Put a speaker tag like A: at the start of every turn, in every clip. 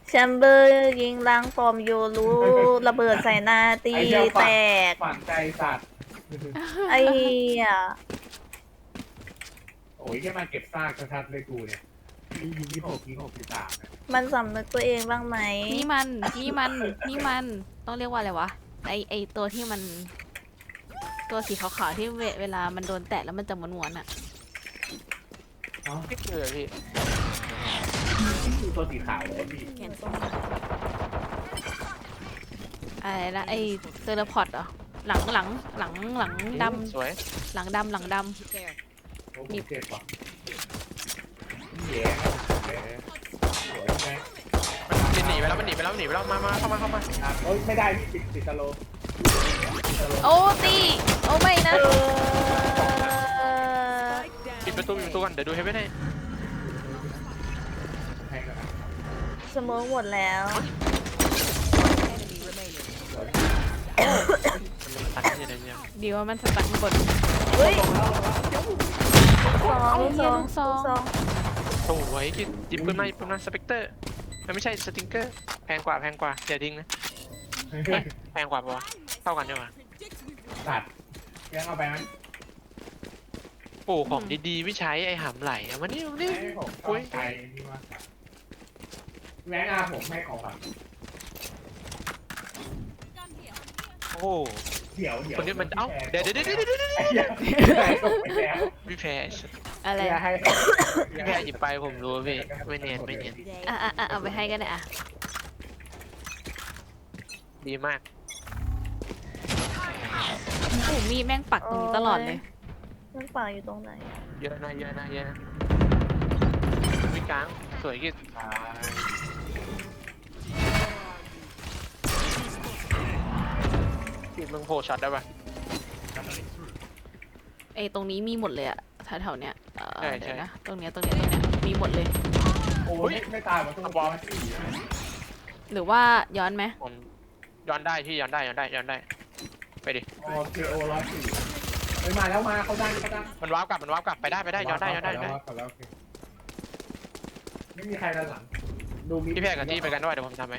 A: แชมเบอร์ยิงล้างปอมโยรู้ระเบิดใส่หน้าตี
B: ไอ้เหี้ย
A: แตก
B: ฝังใจสัตว์
A: ไอ้เหี้ย
B: โอ้ยแค่มาเก็บซากชัดๆเลยกูเนี่ยยิง26 ยิง 63เนี่ย
A: มันสำนึกตัวเองบ้างไหม
C: นี่มันต้องเรียกว่าอะไรวะไอตัวที่มันตัวสีขาวๆที่เวลามันโดนแตะแล้วมันจะม้วนๆอ่ะ
B: อ๋อ
D: ไม่เจอพี่
B: นี่คือตัวสีขาวเลยพี่
C: อะไรนะไอเทเลพอร์ตเหรอหลังดำ
D: สวย
C: หลังดำ
B: โอ้ผมเจ็บว่ะแย่สวยไหม
D: มันหนีไปแล้วมาเข้ามา
B: เอ้ยไม่ได้พี่ติดสโลว์
C: โอ้ตีโอ้ไม่นะ
D: ปิดประตูก่อนเดี๋ยวดูให้ไม่ได้
B: ให้ก่อนนะ
A: สมองหมดแล้ว
D: ตัดที่ไหนเนี่ย
C: ดีว่ามันสตันบน
A: เฮ้ยสอง
C: สอง
D: สวยกินจิบปืนมาสเปกเตอร์มันไม่ใช่สติงเกอร์แพงกว่าอย่าทิ้งนะแพงกว่าปะวะเท่ากันดีกว่า
B: ตัดยังเอาไปไหม
D: โอ้ของดีๆไม่ใช้ไอ้หำไหลอะมันนี่
B: ให้ผมต้องใจนี่ว่าแม่งอาผมให้ของฝัน
D: โอ้
B: เดี๋ยว
D: คนนี้มันเอ้าเดี๋ยว
B: ไอ้เหี้ยไหนตกไปแล้ว
D: พี่แพ้
C: อะไร
B: ให้
D: พี่แพ้หยิบไปผมรู้พี่ไม่เนียน
C: เอาไปให้กันนะอ่ะ
D: ดีมาก
C: โอ้มีดแม่งปักตรงนี้ตลอดเลย
A: มันป่าอยู่ตรงไหน
D: เยอะนะวิ่งกลางสวยกินกินมึงโผล่ช็อตได้ปะ
C: ไอตรงนี้มีหมดเลยอะแถวๆเนี้ย
D: ใช่
C: เดี๋ยวนะตรงเนี้ยมีหมดเลย
B: โอ้ยไม่ตายมันต้องบอลที่
C: หรือว่าย้อนไหม
D: ผมย้อนได้พี่ย้อนได้ไปดิ
B: โอเคโอ104ไปมาแล้วมาเขาได้
D: มันว้าวกลับไปได้ย้อนได้
B: ไม่มีใครด้านหลังดูมี
D: พี่แพ้กับที่ไปกันด้วยเดี๋ยวผมทำไหม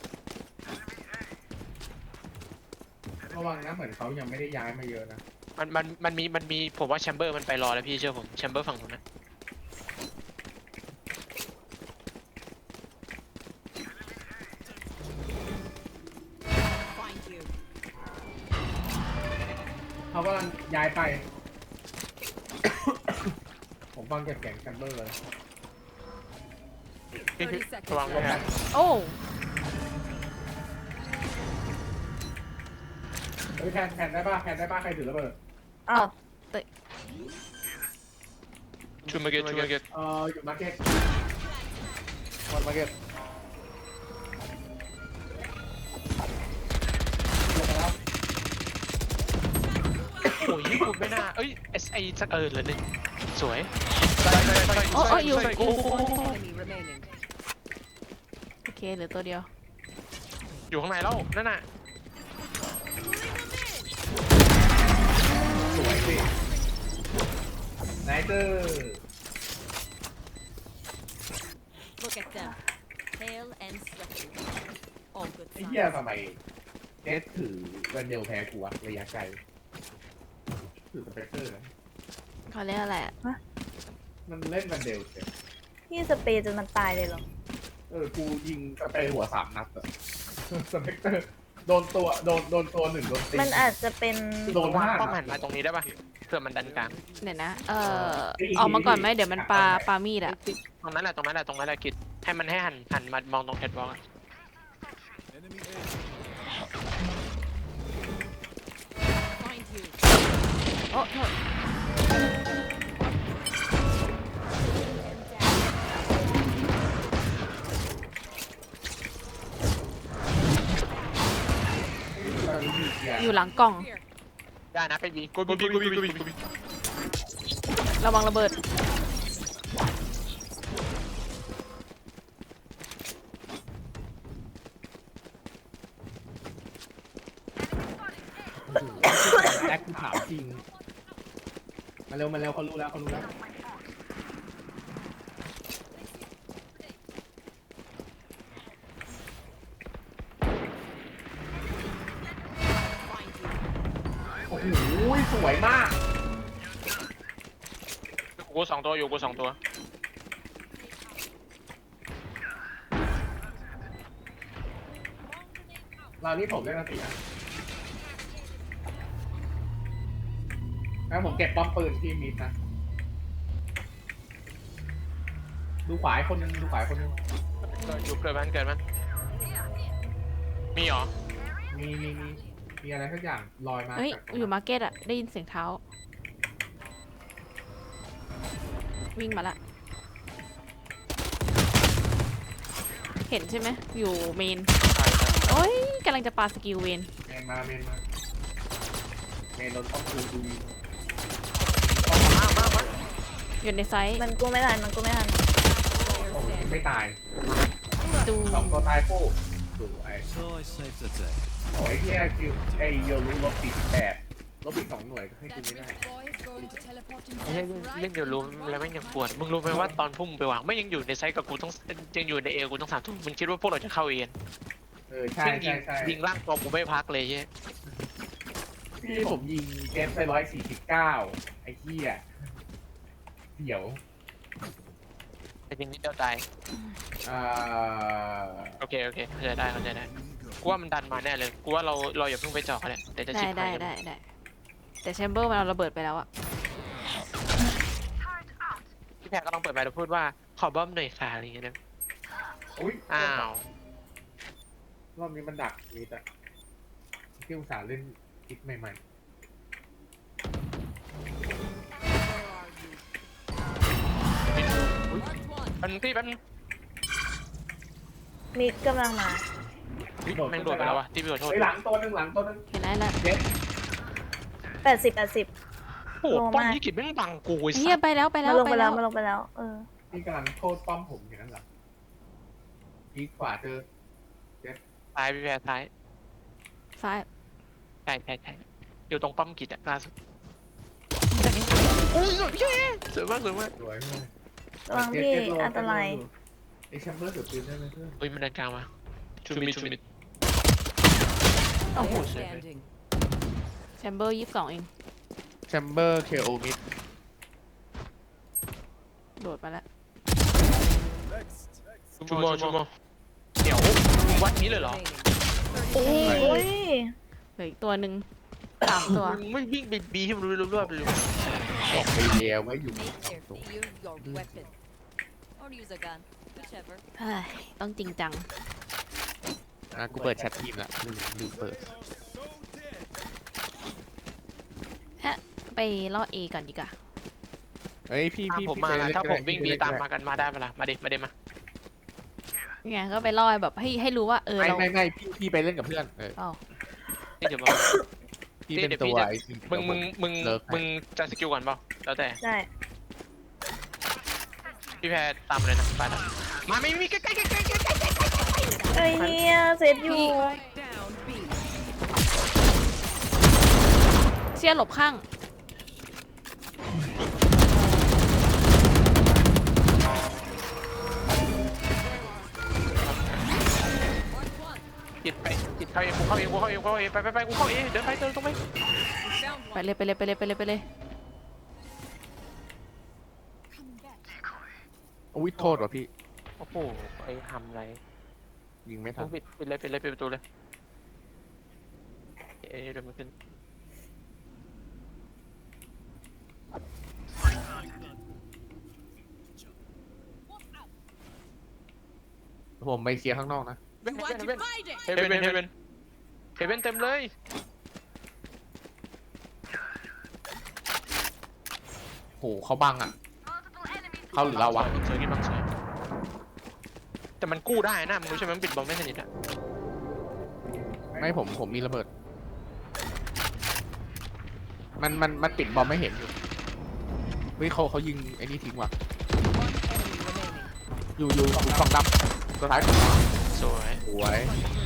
B: ระวังนะเหมือนเขายังไม่ได้ย้ายมาเยอะนะ
D: มันมีผมว่าแชมเบอร์มันไปรอแล้วพี่เชื่อผมแชมเบอร์ฝั่งนู้นนะ
B: เขากำลังย้ายไป ผมฟังเก็บแกงแชมเบอร์เลย
D: ระวังด้วยนะ
C: โอ้
B: เฮ้ยแทนได้ป่ะใครถือระเบิด
A: อ้าว
D: ชูมาเกต
B: อยู่มาร์เก็ตหมดมาร์เก็ตลงมาแล้ว
D: โอ้ยญี่ปุ่นไม่น่าเอ้ย SI สักเลยหนึ่งสวย
C: โอ้อยู่
D: โอ้
C: โอเคเหลือตัวเดียว
D: อยู่ข้างในแล้วนั่นน่ะ
B: สวยสิไนเตอร์
E: Look at them, pale and sweaty. All good
B: ไอ้เหี้ย
E: signs.
B: ทำไมเจสถือเวนเดลแพ้กูวะระยะไกลถือสเปกเตอร์นะ
C: เขาเรียกอะไรอะ
B: มันเล่นเวนเดลเฉย
A: พี่สเปรย์จนมันตายเลยเหรอ
B: กูยิงสเปรย์หัว3 นัดอะสเปกเตอร์โดนตัว1โดนตี
A: มันอาจจะเป็น
B: โดน
D: ว่า
B: 5
D: ป้อมหันมาตรงนี้ได้ปะเพื่อมันดันกลาง
C: เดี๋ยวนะออกมาก่อนไหมเดี๋ยวมันปามีดอะ
D: ตรงนั้นแหละกิดให้หันมามองตรงแคทวอล์ก
E: Find you.
C: โอ้โทษ อยู่หลังกล่อง
D: ได้นะไปบีกูบี
C: ระวังระเบิด
B: แอคกูถามจริงมาเร็วเขารู้แล้วสวยมาก
D: กู2 ตัวอยู่กู2 ตัว
B: เรานี่ผมเล่นมาตีอ่ะแล้วผมเก็บป้อมปืนที่มิดนะดูขวาอีกคนนึงดูขวาอีกคนนึง
D: อยู่เกิดมันมีเหรอ
B: มีอะไรสักอย่างลอยมา
C: เฮ้ย
B: จาก
C: อยู่มาร์เก็ตอะได้ยินเสียงเท้า วิ่งมาละ เห็นใช่ไหมอยู่เมน
D: ใช่
C: โอ้ยกำลังจะปาสกิลเวน
B: เมนมาเมนโดนป้อมปืนดู
D: มา
C: อยู่ในไซส์
A: มันกู้ไม่ทัน
B: โอ้ยไม่ตาย
C: ดู
B: 2 ตัวตายคู่สวย
F: So I saved the day.
B: โอ้ยที่ไอโยรู้ลบ48ลบอีก2 หน่วยก็ให้กูไม่ได้
D: ไม่ใช่เล่นเดี๋ยวรู้แล้วไม่งยังปวดมึงรู้ไหมว่าตอนพุ่งไปวางไม่ยังอยู่ในไซต์กับกูต้องยังอยู่ในเอกูต้อง3 ทุ่มมึงคิดว่าพวกเราจะเข้าเอ็น
B: ใช่
D: ยิง
B: ใช่
D: ยิงล่างตัวกูไม่พักเลยใช่
B: ที่ผมยิงเกมไป149ไอ้เหี้ยเดี๋ยว
D: แต่ยิงนิดเดียวตาย
B: อ่า
D: โอเคเข้าใจได้กูว่ามันดันมาแน่เลยกูว่าเราอย่าเพิ่งไปเจาะเขาเลยเดี๋ยวจะ
C: ได้
D: ชิบ
C: ได้
D: หาย
C: ได้แต่แชมเบอร์มันเอาระเบิดไปแล้วอะ
D: พี่แพรก็ต้องเปิดไปแล้วพูดว่าขอบ้อมหน่อยค่ะอะไรอย่างเงี้ยนะ
B: อุ้ย
D: อ้าว
B: รอบนี้มันดักมีแต่ที่อุตส่าห์เล่นคลิปใหม่
D: มันพี่แป๊บนึง
A: มิดกำลังมา
D: แม่งโดดไปแล้ววะที่พี่ขอ
B: ๆ
D: โทษ
B: ไปหลังตัวหนึง
C: เห็นแล้ว
A: 80
D: โอ้โหป้อมยี่กิจแม่งบังกูไอ้
C: เฮีย
D: สัส
C: ไปแล้ว
A: มาลงไปแล้ว
B: ที่กำลังโทษป้อมผมอย่างนั้นเหรอพีขวาเจอ
D: ตายพี่แพรท้าย
C: ซ้าย
D: ใช่อยู่ตรงป้อมกิจอะล่าสุดโอ้ยสวยพี่สวยมาก
B: สวยมาก
A: ระวังพี่อันตราย
B: ไอแชมเบอร์สุดปืนได้ไหมเพื่อน
D: เฮ้ยมันเดินกลางมาชูมิด
C: โอ้โห
D: สวย
E: Standing.
C: แชมเบอร์22เอง
B: แชมเบอร์เคโอมิด
C: โดดมาแล้ว
D: ชูโมเดี๋ยววัดนี้เลยเหรอ
E: Remaining.
A: โอ้ย
C: เหลืออีกตัวหนึ่ง3 ตัว
D: มึงไม่วิ่งไปบีให้มันรู้ๆไปเลย
B: บอกไปเดียวไว้อยู่
E: Use your weapon. Or use a gun. Whichever.
C: เฮ้ยต้องจริงจัง
B: กูเปิดแชททีมละลืมเปิด
C: ไปล่อเอก่อนดีกว่า
B: เฮ้ยพี่
D: ตามผมมานะถ้าผมวิ่งบีตามมากันมาได้เปล่ามาดิมา
C: ไงก็ไปล่อแบบให้รู้ว่าเรา
B: ไม่พี่ไปเล่นกับเพื่อน
C: อ๋อ
D: นี่เดี๋ยวมา
B: พี่เป็นตัวไอ้
D: มึงจะสกิลก่อนเปล่าแล้วแต่
A: ได้
D: พี่แพรตามเลยนะไปนะมาไม่มีใกล้
A: เอ้ยเฮียเซตอยู่
E: Down B.
C: เชี่ยหลบข้าง
D: จิตไปจิตเข้าเองกูเข้าเองไปกูเข้าเองเดินไปตรงไป
E: We found
C: ไป
E: one.
C: เลย
B: อุ้ยโทษว่ะพี่
D: โอ้โหไอ้ทำไร
B: ยิงไม่ทั
D: ต้
B: น
D: องปิดประตูเลยเอ๊ะเดี๋ยวมันขึ้น
B: ผมไปเคลียร์ข้างนอกนะ
E: You want to fight it?
D: เฮเว่นเต็มเลย
B: โหเขาบังอ่ะเขาหรือเราวะ
D: สวยกินบางสวยแต่มันกู้ได้นะมึงรู้ใช่ไหมมันปิดบอลไม่สนิทอะ
B: ไม่ผมมีระเบิด มันปิดบอมไม่เห็นอยู่เฮ้ยเขายิงไอ้นี่ทิ้งว่ะ
E: One enemy remaining.
B: อยู่กล่องดำตัวท้าย
D: สวย
B: สวย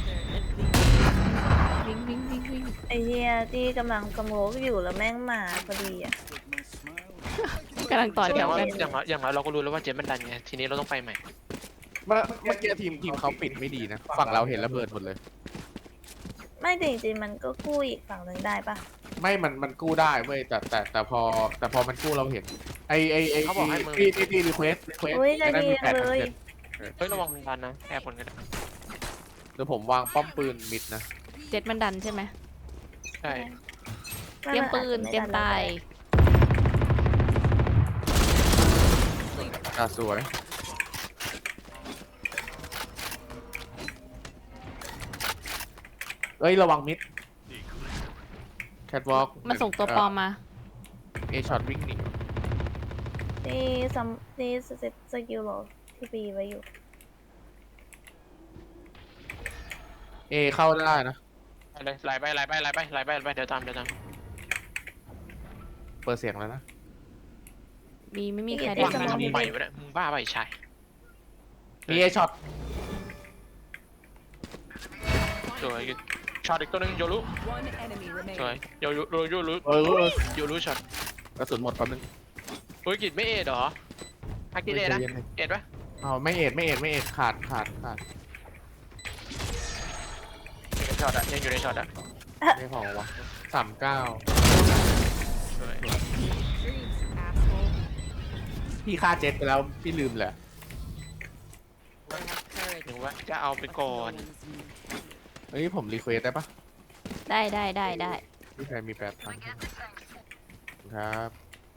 C: วิ่ง
A: ไอ้เฮียที่กำลังกระโมกอยู่แล้วแม่งมาพอดีอ่ะ
C: กำลังต่อแถ
D: อย่าง
C: ว
D: ว่า
C: กัน
D: อย่างเราก็รู้แล้วว่าเจมมันดันไงทีนี้เราต้องไปใหม่
B: เมื่อกี้ทีมเขาปิดไม่ดีนะฝั่งเราเห็นระเบิดหมดเลย
A: ไม่จริงๆมันก็กู้อีกฝั่งหนึ่งได้ปะ
B: ไม่มันกู้ได้เว้ยแต่พอมันกู้เราเห็นไอ
D: เขาบอกให้มึง
B: ที่รีเควส
A: อุ้ยใจดีจังเลย
D: เฮ้ยระวังมันดันนะแอบผลกันนะ
B: เดี๋ยวผมวางป้อมปืนมิดนะ
C: เจ็ดมันดันใช่ไหม
D: ใช่
C: เตรียมปืนเตรียมตาย
B: สวยเอ้ยระวังมิดแคทวอล์ก
C: มันส่งตัวปลอมมา
B: เอช็อตวิ่งหนี
A: นี่สกิลโหลที่ปีไว้อยู่
B: เอเข้าได้นะ
D: ไปเลยไหลไปเดี๋ยวตาม
B: เปิดเสียงแล้วนะ
C: บีไม่มีใคร
D: วา
C: ได้
D: ง
C: มา
D: ทำไมวะเนี่ยมึงบ้าไปชาย
B: มีเอช็อต
D: สวยช็อตอีกตัวนึงโยรุ
E: One enemy
D: สวย
E: remaining.
D: โยรุ
B: เออ
D: โยรุช็อต
B: กระสุนหมดแป๊บนึง
D: เฮ้ยกิจไม่เอ็ดเหรอฮักกิจเอ็ดนะ
B: ใจย็
D: เอ็ดปะ
B: เอาไม่เอ็ดขาด
D: ในช็อตอะยังอยู่ในช็อตอะ
B: ไม่พอวะ39
D: สวย
E: Dreams, asshole.
B: พี่ฆ่าเจ็ตไปแล้วพี่ลืมเลย
D: หรือว่าจะเอาไปก่อน
B: เฮ้ยผมรีเควสได้ปะ
C: ได้
B: พี่ใครมี8,000ครับ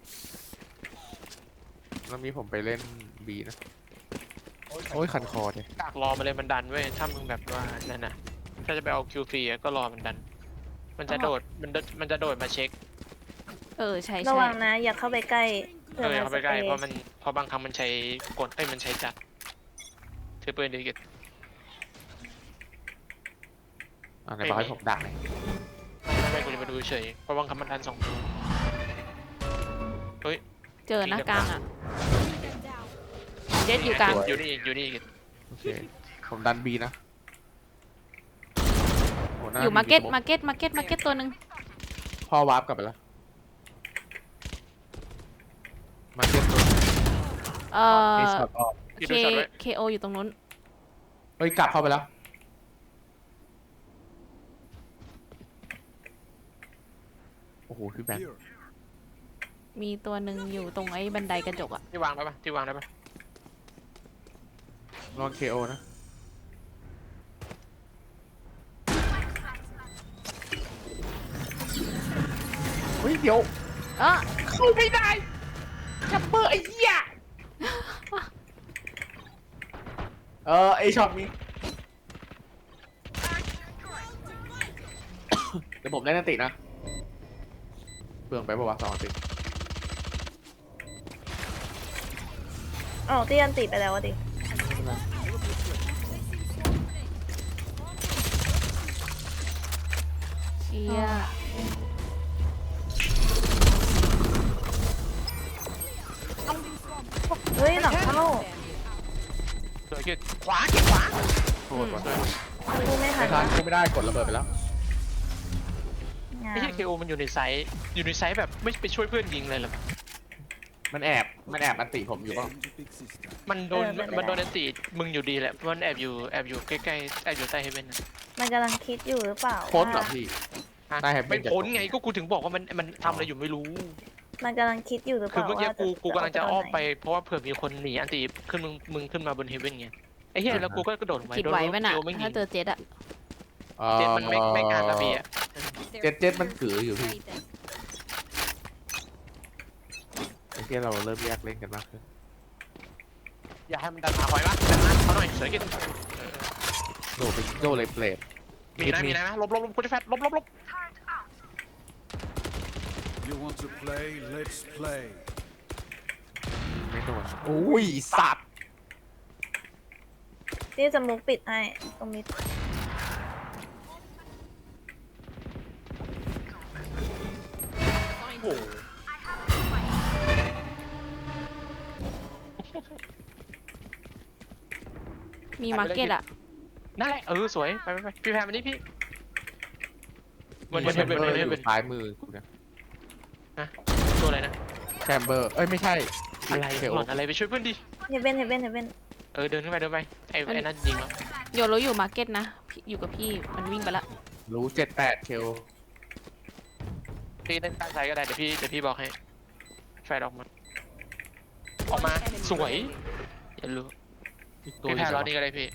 B: แล้วมีผมไปเล่นบีนะโอ้ยคันคอเลย
D: กากรอมาเลยมันดันเว้ยถ้ามึงแบบว่านั่นน่ะถ้าจะไปเอาคิวฟรีก็รอมันดัน มันจะโดดมันจะโดดมาเช็ค
C: ใช่
A: ระวังนะ อย่าเข้าไปใกล้
D: เข้าไปใกล้เพราะบางครั้งมันใช้กดมันใช้จัดถือปืนดีกิจ
B: ไหนบอกให้ผมด่าหน่อย
D: ไม่กูจะมาดูเฉยเพราะบางครั้งมันดัน2 ตัวเฮ้ย
C: เจอนะกลางอ่ะ เจ็ดอยู่กลาง
D: อยู่นี่กิจ
B: โอเคผมดันบีนะโหน้
C: อยู่มาร์เก็ต
B: สโ
C: มาร์เก็ตตัวหนึ่ง
B: พ่อวาร์ปกลับไปแล้วมาเก็ตตัวเอช็อตออก
D: กิจดูช็อตไว้
C: KO อยู่ตรงนู้น
B: เฮ้ยกลับเข้าไปแล้วโอ้โหพี่แบงค์
C: มีตัวหนึ่งอยู่ตรงไอ้บันไดกระจกอ่ะ
D: ที่วางได้ปะ
B: ลอง KO นะเฮ้ยเดี๋ยว เข้าไม่ได้จับเบอร์ไอ้เหี้ยไอช็อตนี้ เดี๋ยวผมเล่นนันตินะเปลืองไปป่าวะ2 อันติ
A: อ๋อที่อันติไปแล้วอะดิ
C: เชีย
A: เฮ้ยหลังเข้า
D: สวยกิจขวา
B: โทษว่ะ
A: กูไม่ทั
B: ไม่
A: น
B: ทันไม่ได้กดระเบิดไปแล้ว
A: งา
D: ไม่ใช่
A: น
D: KO มันอยู่ในไซส์แบบไม่ไปช่วยเพื่อนยิงเลยหรอ
B: มันแอบอันติผมอยู่ป่ะ
D: มันโดนอันตีมึงอยู่ดีแหละมันแอบอยู่ใกล้ๆแอบอยู่ใต้เฮเว่นนะ
A: มันกำลังคิดอยู่หรือเปล่า
B: พ้นเหรอ
A: ว่า
B: พี่
D: ฮะ
B: ได้ Heaven
D: ไม่พ้นไงก็กูถึงบอกว่ามันทำอะไรอยู่ไม่รู้
A: มันกำลังคิดอยู่หรือเป
D: คือ
A: ล่า
D: เมื่อกี้
A: ว่า
D: กูกำลังจะ
A: เา
D: อ้อมไป
A: ตนหน
D: เพราะว่าเผื่อมีคนหนีอันตีขึ้นมึงขึ้นมาบนเฮเว่นไงไอ้เหี้ยแล้วกูก็กระโดดลงไป
C: คิดไหวไหมน่ะ
D: โดนไม่ยิ
C: ถ้าง เจอเจ็ดอ่ะ
D: เจ็ดมันไม่กล้าระเบียบ
B: เจ็ดมันกืออยู่พี่
E: Right then.
B: ไอ้ที่เราเริ่มแยกเล่นกันมากขึ้น
D: อย่าให้มันดันมาคอยวะดันมาเขาหน่อยสวยกิน
B: โดเลยเปลด
D: มีนะลบกูจะแฟดลบ
F: You want to play? Let's play.
B: ไม่โดนอุ้ยสัตว์
A: นี่จะมุกปิดให้ตรงนี้
D: โอ้โห
C: มีมาร์เก็ตอ่ะ
D: นั่นแหละสวยไปพี่แพรมันนี่พี่มัน
B: แชมเบอร์
D: เป็น
B: อยู่ซ้ายมือกูเนี่ย
D: ตัวอะไรนะ
B: แชมเบอร์เอ้ยไม่ใช่
D: อะไร
B: เค
D: ห
B: โอ
D: ล่อนอะไรไปช่วยเพื่อนดิ
A: เฮเว่น
D: เดินขึ้นไปไอ้นั่นยิงแล้ว
C: โยรู้อยู่มาร์เก็ตนะอยู่กับพี่มันวิ่งไปละ
B: รู้78เคโอ
D: พี่เล่นตั้งใจก็ได้เดี๋ยวพี่บอกให้แฟดออกมาสวยอย่ารู้
G: อีกตัว
D: พี่แพ้รอบนี้ก็ได้พี่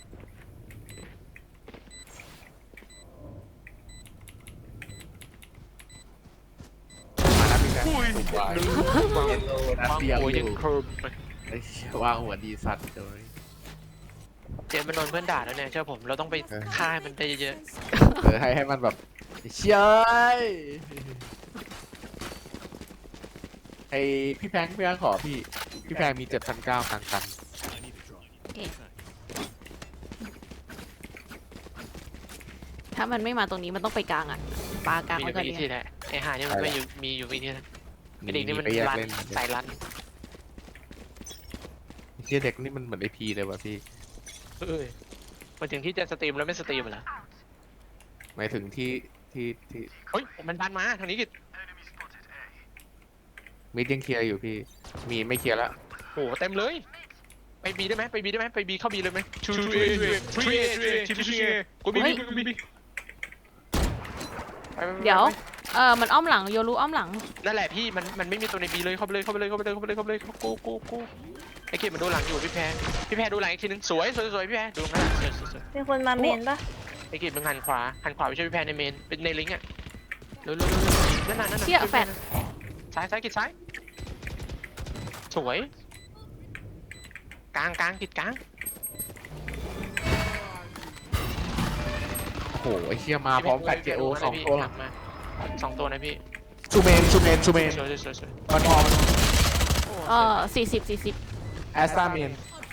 G: มาแล้วพี่แบงค์
B: เยลโล่นัด
D: วาง
B: เดียว
D: หัว
B: อ
D: ยัง
B: ยู่
D: เคิร์ม
G: ไอ้เหี้ยวางหัวดีสัตว์เลย
D: เจมส์มันโดนเพื่อนด่าแล้วเนี่ยเชื่อผมเราต้องไปฆ่าให้มันได้เยอะ
G: ให้มันแบบเชี่ยไอพี่แพงขอพี่แพงมี7,900กัน
C: ถ้ามันไม่มาตรงนี้มันต้องไปกลางอ่ะปลากลาง
D: มีอ
C: ไว้
D: ยู่
C: ก่อน
D: วิ
C: ดี
D: ธีแหละไอ้หาเนี่ยมันไม่อยู่มีอยู่วิธีนะไอ้เด็กนี่มัน
G: ไปแยก
D: รัน
G: เล่น
D: สายรัน
G: เชี่ยเด็กนี่มันเหมือนไอพีเลยว่ะพี่
D: มาถึงที่จะสตรีมแล้วไม่สตรีมเหรอ
G: หมายถึงที่
D: เฮ้ยมันดันมาทางนี้กิ
G: มิดยังเคลียร์อยู่พี่มีไม่เคลียร์แล้ว
D: โอ้เต็มเลยไปบีได้ไหมไปบีเข้าบีเลยไหมชูเอทีเอกูบี
C: เดี๋ยวมันอ้อมหลังโยรู้อ้อมหลัง
D: นั่นแหละพี่มันไม่มีตัวในบีเลยเข้าไปเลยกูไอ้เกมมันดูหลังอยู่พี่แพรดูหลังอีกทีนึงสวยพี่แพรดูตรงนั้นสวย
A: มีคนมาเมนปะ
D: ไอ้เกมมึงหันขวาไปช่วยพี่แพรในเมนเป็นในลิงก์อ่ะเร็วนั่น
C: เชี่ยแฟด
D: ซ้ายกิดซ้ายสวยกลางกิดกลาง
G: โอ้โหไอเชี่ยมาพร้อมกับเจโอ2 ตัว
D: หลังมา2 ตัวนะพี่
G: ซูเมน
D: สวย
G: มันพอ
C: 40
G: แอสตาเมน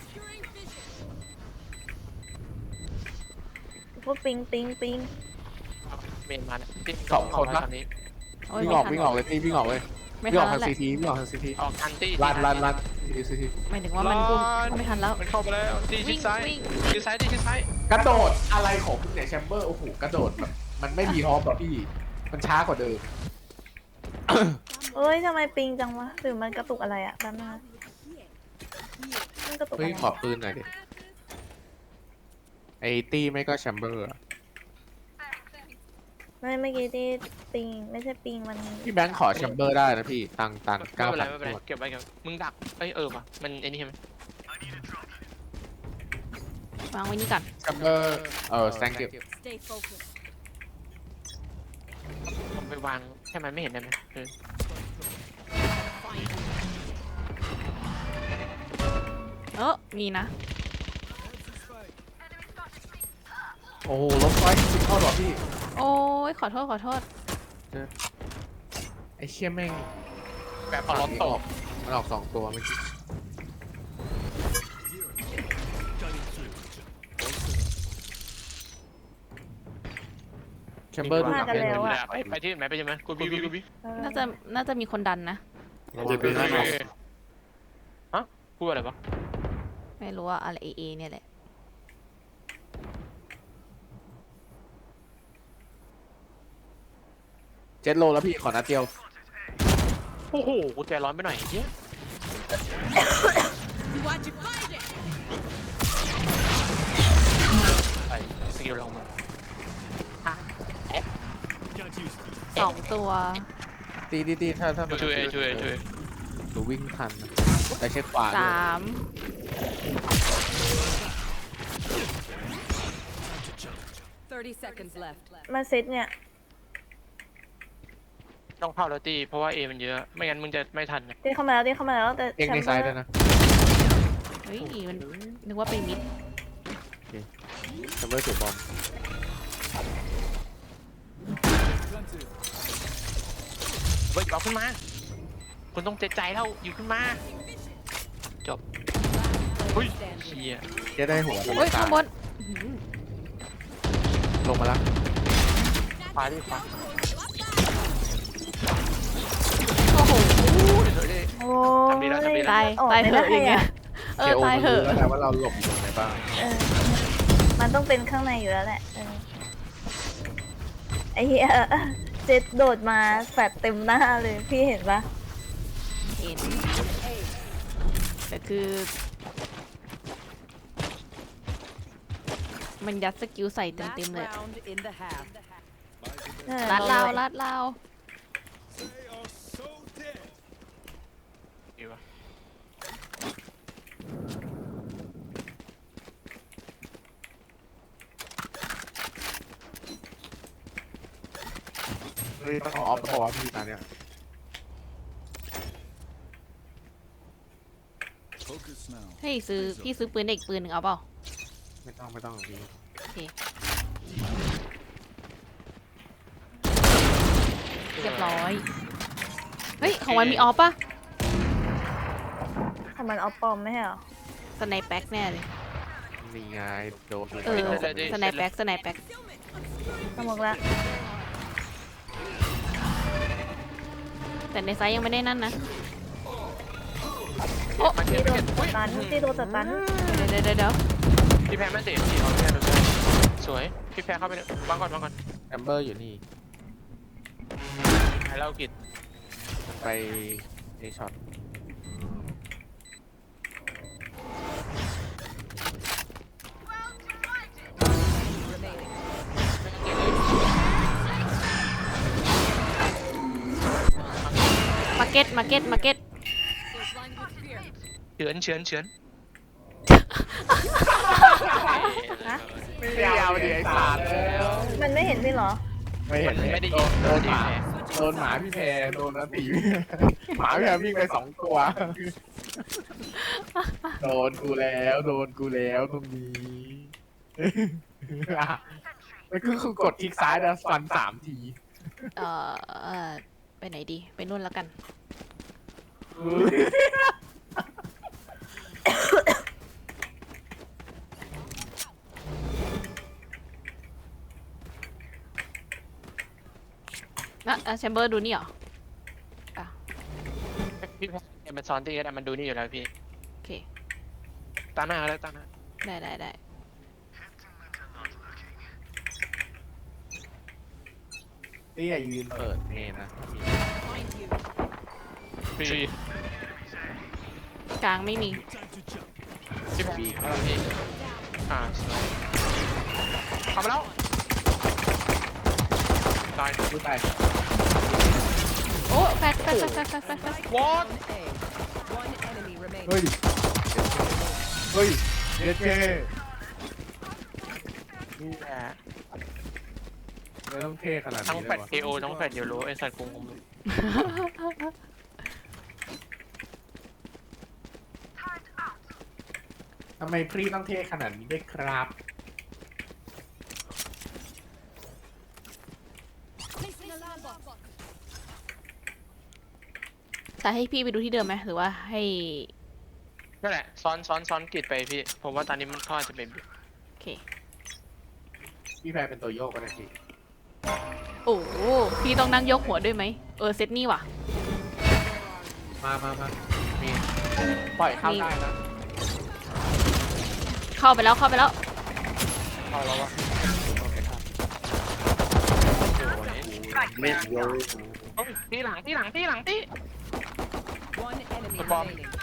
A: พวกปิง
D: เมนมาเนี่ย
G: 2 คนปะ
D: ตอนนี้
C: โอ้ย
G: วิ่งออกเลยพี่วิ่งออกเลย
C: ไม่
G: วิ่งอ
C: ทั
G: อน ก
C: แล้ว
G: ทาง
C: แหละ
G: ซีทีวิ่งออกทางซีที
D: ออกทันตี้
G: ลันซีที
C: หมายถึงว่ามันกุ้มไม่ทันแล้ว
D: มันเข้าไปแล้วตีชิ
C: วิ่
D: ด
C: ง
D: ซ้าย
C: วิ่ง
D: ชิดซ้าย
G: กระโดดอะไรของคุณเนี่ยแชมเบอร์โอ้โหกระโดดแบบมันไม่มีฮอปหรอพี่มันช้ากว่าเดิม
A: เอ้ยทำไมปิงจังวะหรือมันกระตุกอะไรอะแป๊บนึงนะมันกระตุกอะ
G: เฮ้ย
A: ไร
G: ขอปืนหน่อยดิไอตี้ไม่ก็แชมเบอร์
A: ไม่เมื่อกี้ที่ปิงไม่ใช่ปิงมัน
G: พี่แบงค์ขอแชมเบอร์ได้นะพี่ตังค์
D: ไม่เป็นไร
G: 9,000
D: เก็บไว้มึงดักว่ะมันไอ้นี่ใช่ไหม
C: วางไว้นี่ก่อน
G: แชมเบอร์แซงเก็บ
E: Stay focused.
D: ผมไปวางให้มันไม่เห็นได้ไหม
C: มีนะ
G: โอ้โหลบไฟสิบเข้าหรอพี่
C: โอ้ยขอโทษ
G: ไอเชี่ยแม่ง
D: แบบพอล้มตก
G: มันออก2 ตัวเมื่อกี้แชมเบอร์ดูหนักเลย
D: ไปที่ไหนไปใช่ไหมกูบี
A: เออ
C: น่าจะมีคนดันนะ
D: ฮะพูดอะไรวะ
C: ไม่รู้ว่าอะไรเอเนี่ยแหละ
G: 7 โลแล้วพี่ขอนัดเดียว
D: โอ้โหกูใจร้อนไปหน่อยเฮ้ย
E: Watch it, find it.
D: ไอ้สกิลลงมา
C: 2 ตัว
G: ตีถ้า
D: ช่วย
G: หนูวิ่งทันนะแต่เช็คขวาด้วย
E: 30 seconds left.
A: มาเซตเนี่ย
D: ต้องเข้าแล้วตีเพราะว่าเอมันเยอะไม่งั้นมึงจะไม่ทัน
A: ตีเข้ามาแล้วแต่
G: เองใน
A: แช
G: ซ้าย
A: มเบอ
G: ด้วย
A: ร์
G: นะ
C: เฮ้ยมันนึกว่าไปมิด
G: แชมเบอร์ถูกบอม
D: เฮ้ยเอาขึ้นมาคุณต้องเจ็ดใจแล้วอยู่ขึ้นมาจบเฮ้ยเชีย
G: จะได้หัว
C: โอ้ยข้างบน
G: ลงมาแล้ว
D: ขวาดิขวา
C: โอ้โห
A: โอ้
D: ทำดีแล้ว
A: ย
C: ตาย
A: ออก
C: ตาย
A: ไม่
C: เห
A: ได้
C: อะอย่างเงี้ย
A: อะ
C: ตายเหอะ
G: แล้วว่าเราหลบอยู่ตรงไหนบ้าง
A: เออมันต้องเป็นข้างในอยู่แล้วแหละไอ้เหี้ยเจ็ดโดดมาแฟดเต็มหน้าเลยพี่เห็นปะ
C: เห็นแต่คือ มันยัดสกิลใส่เต็ม
E: Last
C: เลย
E: round in the half.
C: ลัดลาว
D: ดีวะ
G: เฮ้ยต้องเอาออฟบอกว่าพี่ตาเนี่ย
F: Focus now.
C: เฮ้ยพี่ซื้อปืนเด็กปืนหนึ่งเอาเปล่า
G: ไม่ต้องพี่
C: โอเคเรียบร้อยเฮ้ยของวันมีออฟปะ
A: ของมันเอาปลอมไม่ใช่เหรอ
C: สไนแพ็กแน่เลย
G: นี่ไงโดน
C: เออสไนแพ็ก
A: สมองละ
C: แต่ในไซส์ยังไม่ได้นั่นนะ
D: มาเก็
A: ตี
D: ต
A: โดนสตันตีโดนสตัน
C: เดี๋ยว
D: พี่แพ้ไม่เตะพี่เอาแพ้ดูได้สวยพี่แพ้เข้าไปวางก่อน
G: แอมเบอร์อยู่นี่
D: ให้เรากิด
G: ไปเอช็อต
E: remaining.
C: มาเก็ต
E: They're blind with fear.
D: เฉือน
G: ไม่เอาดิไอ้สารแล้ว
A: มันไม่เห็นพี่เหรอ
G: ไม่เห็น
D: ไม่ได้ยิน
G: โดนหมาพี่แพรโดนนะตีหมาพี่แพรวิ่งไป2 ตัว โดนกูแล้วตรงนี้มันคือกดคลิกซ้ายแล้วฟัน3 ที
C: ไปไหนดี ไปนู่นแล้วกัน แชมเบอร์ดูนี่เหรอ
D: พี่แพ้มันซ้อนตีกันมันดูนี่อยู่แล้วพี่
C: โอเค
D: ตาหน้าแล้วตาหน้า
C: ได้
G: นี่อย่ายืนเปิดเมนนะ
E: Find you.
D: ฟรี
C: กลางไม่มี
D: พี่แพ้พี่สวยเข้ามาแล้วตาย
G: พูดไป
C: โอ้แฟด
D: วอต
E: A. One enemy remaining.
G: เฮ้ยเอเจ
D: นี่แหละ
G: ไม่ต้องเท่ขนาด
D: ทั้ง
G: นี้
D: แฟ
G: เล
D: ด
G: ยวะ
D: เอโอทั้งแฟดเยลโลไอสัตว์คง
G: ทำไมพรีต้องเท่ขนาดนี้ด้วยครับ
E: Placing alarm bot.
C: แต่ให้พี่ไปดูที่เดิมไหมหรือว่าให้
D: นั่นแหละซ้อนกิดไปพี่ผมว่าตอนนี้มันเข้าจะเป็น
C: โอเค
G: พี่แพรเป็นตัวโยกก็ได้พี่
C: โอ้โหพี่ต้องนั่งยกหัวด้วยไหมเซตนี่ว่ะ
G: มามีปล่อยเข้าได้นะ
C: เข้าไปแล้ว
D: เข้าแล้ววะโอเคครับ
G: เล่นโยก
D: ที่หลัง
E: One enemy
D: The bomb.
E: remaining.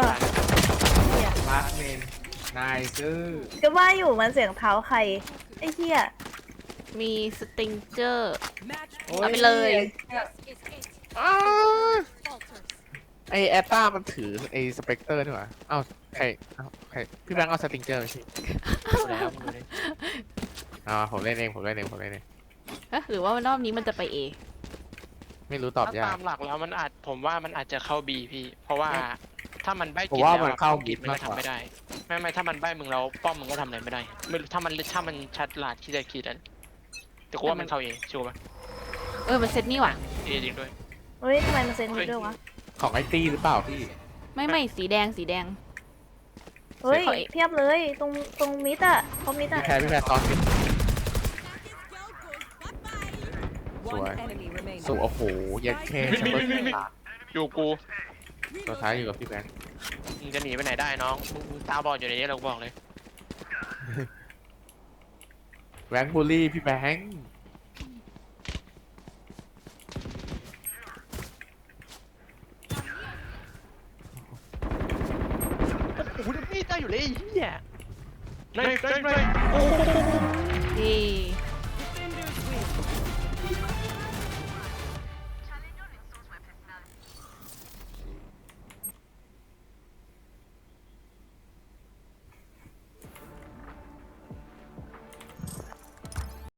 G: มาร์คเมนนายซื้อ
A: ก็ว่าอยู่มันเสียงเท้าใคร ไอ้เหี้ย
C: มีสติงเจอร์
E: Match
C: เอาไปเลย
E: is it. Falters.
G: ไอแอตตามันถือไอสเปกเตอร์นี่หว่าเอ้าใครพี่แบงค์เอาสติงเจอร์มาสิ
D: แล้ว
G: ผมเล่นเอง
C: หรือว่ารอบนี้มันจะไป A
G: ไม่รู้ตอบยา
D: ตาก มหลักแล้วผมว่ามันอาจจะเข้า B พี่ เพราะว่าถ้ามันใบ้
G: ผม
D: กิน
G: ว่า
D: แล้ว
G: มันเข้า
D: กิน
G: B
D: มันก็
G: มากกว่า
D: ทำไม่ได้ไม่ถ้ามันใบ้มึงแล้วป้อมมึงก็ทำอะไรไม่ได้ไม่รู้ถ้ามันชัดหลาดที่จะคิดอันแต่กูว่ามันเข้า A ชัวร์ป่ะ
C: มันเซตนี่ว่ะ
D: A จริงด้วย
A: เฮ้ยทำไมมันเซ็นนี้ด้วยวะ
G: ของไอตี้หรือเปล่าพี่
C: ไม่สีแดง
A: เฮ้ย
C: เซ็นเขาเอง
A: เทียบเลย ตรงมิดอะเขามิดอะ
G: พี่แพรตอนสิ
E: One
G: Sure.
E: enemy remaining.
G: สุโอ้โหเย็ดแค่แชมเบอร์
D: อยู่กู
G: ตัวท้ายอยู่กับพี่แบงค์
D: มึงจะหนีไปไหนได้น้องมึงตาบอดอยู่ในนี้เราบอกเลย
G: แบงค์บูลลี่พี่แบงค์
D: โอ้โหนี่ได้อยู่เลยไอ้เหี้ยไม่โอ้โห